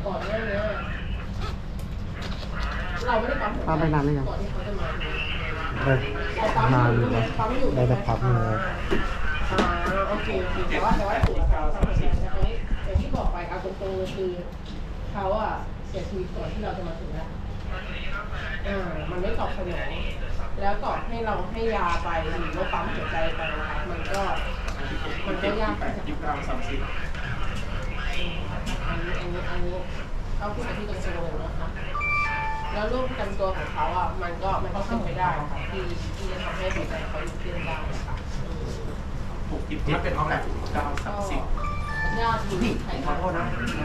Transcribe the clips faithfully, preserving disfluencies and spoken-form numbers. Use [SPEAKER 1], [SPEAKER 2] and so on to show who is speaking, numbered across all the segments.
[SPEAKER 1] ก่อนหน้านี้เราไม่ได้ปั๊มหัวใจ
[SPEAKER 2] ปั๊มไปนานหรือยัง
[SPEAKER 1] ก่อนที่เขาจะมา
[SPEAKER 2] ได้
[SPEAKER 1] เราปั๊ม
[SPEAKER 2] นาน
[SPEAKER 1] อ
[SPEAKER 2] อยู่
[SPEAKER 1] ยู่
[SPEAKER 2] นะ
[SPEAKER 1] ปั๊มอยู่
[SPEAKER 2] ได้สักพักหนึงแล้ว
[SPEAKER 1] อ่าโอเคโอเคแต่ว่าแต่ว่าถูกเขาทำเสร็จแต่คราวนี้อย่างที่บอกไปเอาตรงๆเลยคือเขาอะเสียชีวิตก่อนที่เราจะมาถึงแล้วอ่ามันไม่ตอบสนองแล้วก่อนให้เราให้ยาไปหรือว่าปั๊มหัวใจไปนะคะมันก็มันก็ยากไปจาก
[SPEAKER 3] ยี่สิบกรัมสามสิบ
[SPEAKER 1] อันนี้อันนี้อันนี้เขาพูดกันที่ตรงๆเลยนะคะแล้วรูปประจำตัวของเขาอ่ะมันก็มันก็เป็นไปได้ค่ะที่ที่จะทำให้หัวใจเขาหยุดเต้นได้ค่ะ
[SPEAKER 3] หกสิบเจ็ดเป็นเอาแหละเก้าสามสิบ
[SPEAKER 1] ญาติมีใคร
[SPEAKER 3] ขอโทษนะ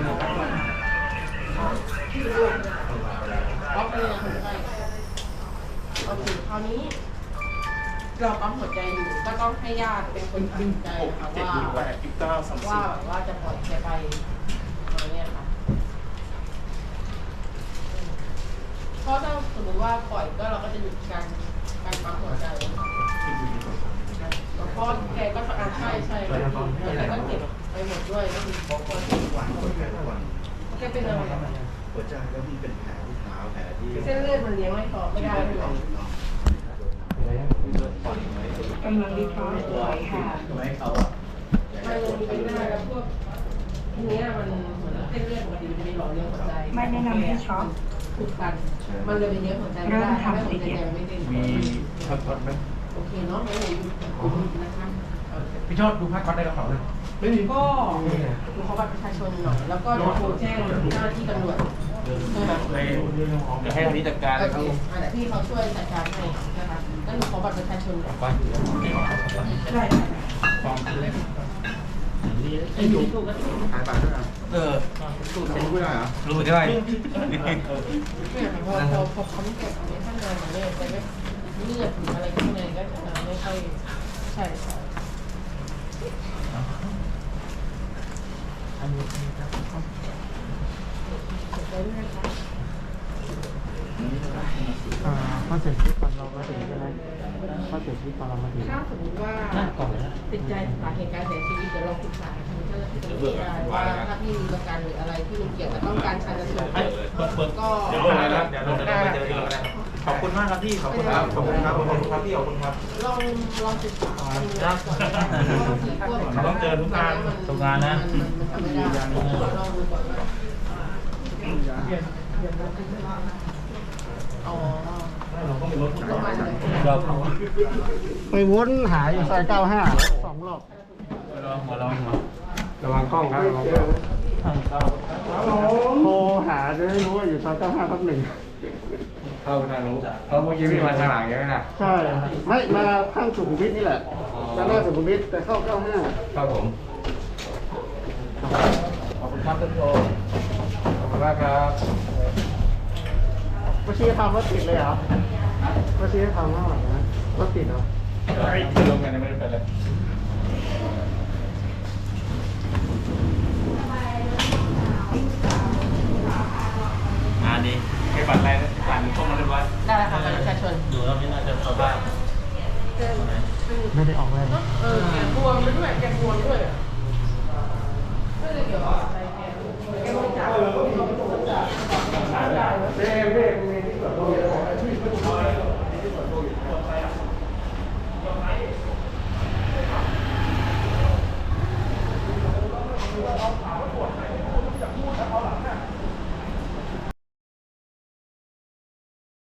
[SPEAKER 1] ที่รูปก็เป็นคนไข้โอเคคราวนี้เราปั๊มหัวใจอยู่ก็ต้องให้ญาติเป็นคนตัดสินใจ
[SPEAKER 3] หก
[SPEAKER 1] ค่ะ
[SPEAKER 3] เจ็ด
[SPEAKER 1] ว่า
[SPEAKER 3] หนึ่งแปดยี่สิบเก้าสามสิ
[SPEAKER 1] ว่า
[SPEAKER 3] บ
[SPEAKER 1] ว่าจะปล่อยแกไปอะไรเนี่ยค่ะเพราะถ้าสมมติว่าปล่อยก็เราก็จะหยุดการการปั๊มหัวใจแล้วก็แกก็อ่าใช่ใช่แล้วแกก็เก็บไปหมดด้วยก็คือแกเป็นอะไร
[SPEAKER 4] หัวใจแล้วมีเป็นแผลที่เท้าแผลที่
[SPEAKER 1] เส้นเลือดมันเลี้ยงไม่พอไม่ได้เลย
[SPEAKER 5] กำลังดีท็อกซ์ป่วยค่ะ
[SPEAKER 4] ทำไมเขาอ่ะ
[SPEAKER 1] ไม่เลยไม่ได้แล้วพวกทีเนี้ยมันเหมือนเส้นเลือดปกติมันจะมีหล่อเลี้ยงหัวใจ
[SPEAKER 5] ไม่แนะนำให้ช็อป
[SPEAKER 1] ถูกกันมันเลยไปเลี้ยงหัวใจไม่ได้ทำให้หัวใจแกไม่เต้น
[SPEAKER 3] มีพักผ่อนไหม
[SPEAKER 1] โอเคเนาะงั้นเดี๋ยวอยู่นะคะ
[SPEAKER 3] พี่ชอบดูพักผ่อนได้กระเป๋าเลย
[SPEAKER 1] ไม่มีก็ดูเขาบัตรประชาชนหน่อยแล้วก็เดี๋ยวโทรแจ้งเจ้าหน้าที่ตำรวจใช่ไหม
[SPEAKER 3] เดี๋ยวให้ทางนี้จัดการ
[SPEAKER 1] โอ
[SPEAKER 3] เลยค
[SPEAKER 1] เครับ อ่าแต่พี่เขาช่วยจัดการให้นะคะงั้นหนูขอบัตรประชาชนก่อน
[SPEAKER 3] บ้านอยู่แล้ว
[SPEAKER 1] ได้
[SPEAKER 3] ฟองเล็ก
[SPEAKER 1] ไอ้หนูถูกก็ถูก
[SPEAKER 4] หายไปด้วยนะ
[SPEAKER 3] เออ
[SPEAKER 4] สู้ไม่ได้เหรอ
[SPEAKER 3] รู้ได้
[SPEAKER 1] เนี่ยพอพอพอเขาไม่เก็บอะไรข้างในมันเนี่ยแต่ไม่เลือดหรืออะไรข้างในก็จะไม่ค่อยใช่ใช่
[SPEAKER 2] อันนี้ครับ
[SPEAKER 1] ไปด้วยนะคะ
[SPEAKER 2] อ่าเขาเสียชีวิตก่อนเรามาถึงใช่ไหมเขาเสียชีวิตก่อนเรามาถึง
[SPEAKER 1] ถ้าสมมติว่าติดใจสาเหตุการเสียชีวิตเดี๋ยวเราปรึกษาทางเจ้าหน้าที่ตำรวจได้ว่าถ้าพี่มีประกันหรืออะไรที่มันเกี่ยวกับต้องการชันสูตรก็
[SPEAKER 3] เดี๋ยวลงเลยนะเดี๋ยวลงเลยนะไปเจอที่เราได้ขอบคุณมากครับพี่ ขอบคุณครับ ขอบคุณครับ ขอบคุณครับพี่ ขอบคุณครับ
[SPEAKER 1] ลองลองศึกษาก่อน
[SPEAKER 3] ต้องเจอทุกงานทุกงานนะ
[SPEAKER 1] มันทำไม่ได้ลองดูก่อนว่าอ๋อประมาณนั้น
[SPEAKER 2] ไปวนหาอยู่ซอยเก้าห้าสองรอบ
[SPEAKER 3] ระวังกล้องครับระวังกล้อง
[SPEAKER 2] โทรหาจะได้รู้ว่าอยู่ซอยเก้าห้าทับหนึ่ง
[SPEAKER 3] เข้าทางรู้เพราะเมื่อกี้พี่มาทางหลังใช่ไหมนะ
[SPEAKER 2] ใช่ ไม่มาข้างสุขุมวิทนี่แหละด้านหน้าสุขุมวิทแต่เข้าเก้าห้า
[SPEAKER 3] ครับผม ขอบคุณครับท่านโทขอบคุณมากครับ
[SPEAKER 2] วชิรธรรมรถติดเลยเหรอวชิรธรรมเท่าไหร่นะรถติดเหรอ
[SPEAKER 3] ที่ลงกันไม่ได้เป็นเลยงานนี้ให้บัตรอะไรผ่านพวกมันเรียบร้อย
[SPEAKER 1] ได้แล้วค่ะประชาชน
[SPEAKER 3] ดูแล้วไม่น่าจะเข้าบ้าน
[SPEAKER 2] ไม่ได้ออกเลย
[SPEAKER 1] เออแกบวมไปด้วยแกบวมด้วย